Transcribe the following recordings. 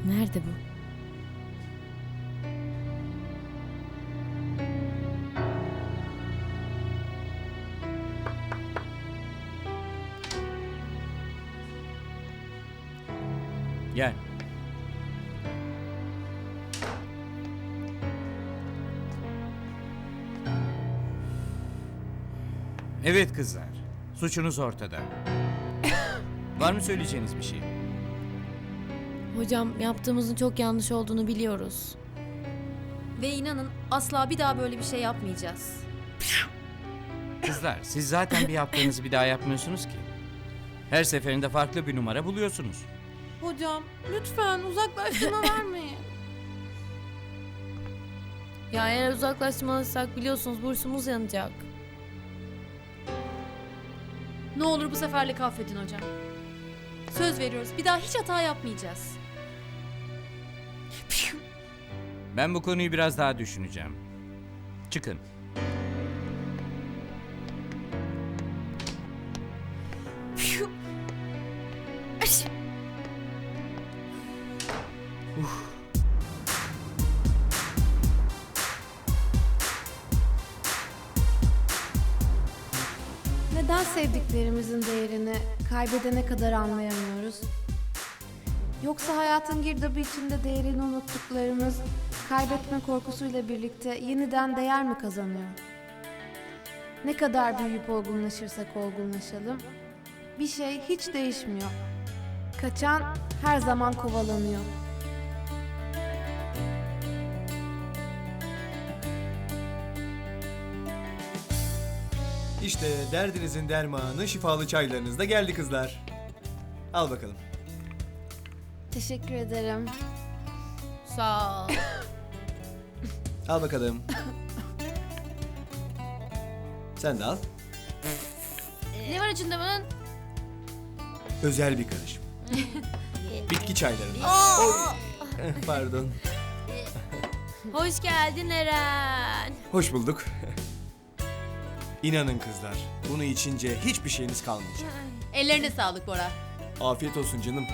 Nerede bu? Gel. Evet kızlar, suçunuz ortada. Var mı söyleyeceğiniz bir şey? Hocam yaptığımızın çok yanlış olduğunu biliyoruz. Ve inanın asla bir daha böyle bir şey yapmayacağız. Kızlar, siz zaten bir yaptığınızı bir daha yapmıyorsunuz ki. Her seferinde farklı bir numara buluyorsunuz. Hocam lütfen uzaklaştırma vermeyin. Ya eğer uzaklaştırmalıysak biliyorsunuz bursumuz yanacak. Ne olur bu seferlik affedin hocam. Söz veriyoruz bir daha hiç hata yapmayacağız. Ben bu konuyu biraz daha düşüneceğim. Çıkın. Neden sevdiklerimizin değerini kaybedene kadar anlayamıyoruz? Yoksa hayatın girdabı içinde değerini unuttuklarımız kaybetme korkusuyla birlikte yeniden değer mi kazanıyor? Ne kadar büyüyüp olgunlaşırsak olgunlaşalım, bir şey hiç değişmiyor. Kaçan her zaman kovalanıyor. İşte derdinizin dermanı şifalı çaylarınız da geldi kızlar. Al bakalım. Teşekkür ederim. Sağ ol. Al bakalım. Sen de al. Ne var içinde bunun? Özel bir karışım. Bitki çaylarından. Oy. Pardon. Hoş geldin Eren. Hoş bulduk. İnanın kızlar, bunu içince hiçbir şeyiniz kalmayacak. Ellerine sağlık Bora. Afiyet olsun canım.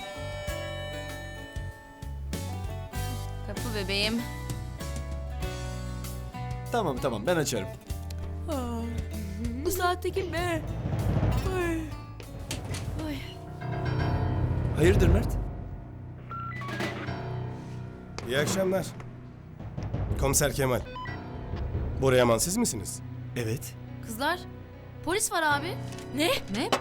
Kapı bebeğim. Tamam ben açarım. Bu saatte kim be? Hayırdır Mert? İyi akşamlar. Komiser Kemal. Bora Yaman siz misiniz? Evet. Kızlar polis var abi. Ne? Ne?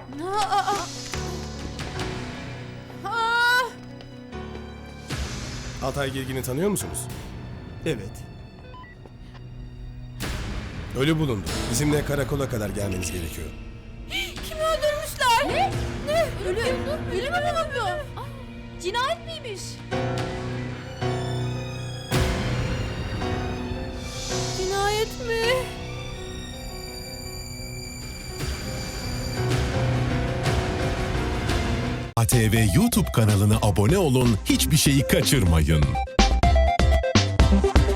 Altay Girgin'i tanıyor musunuz? Evet. Ölü bulundu. Bizimle karakola kadar gelmeniz gerekiyor. Ölü mü bulundu? Cinayet miymiş? Cinayet mi? ATV YouTube kanalına abone olun, hiçbir şeyi kaçırmayın.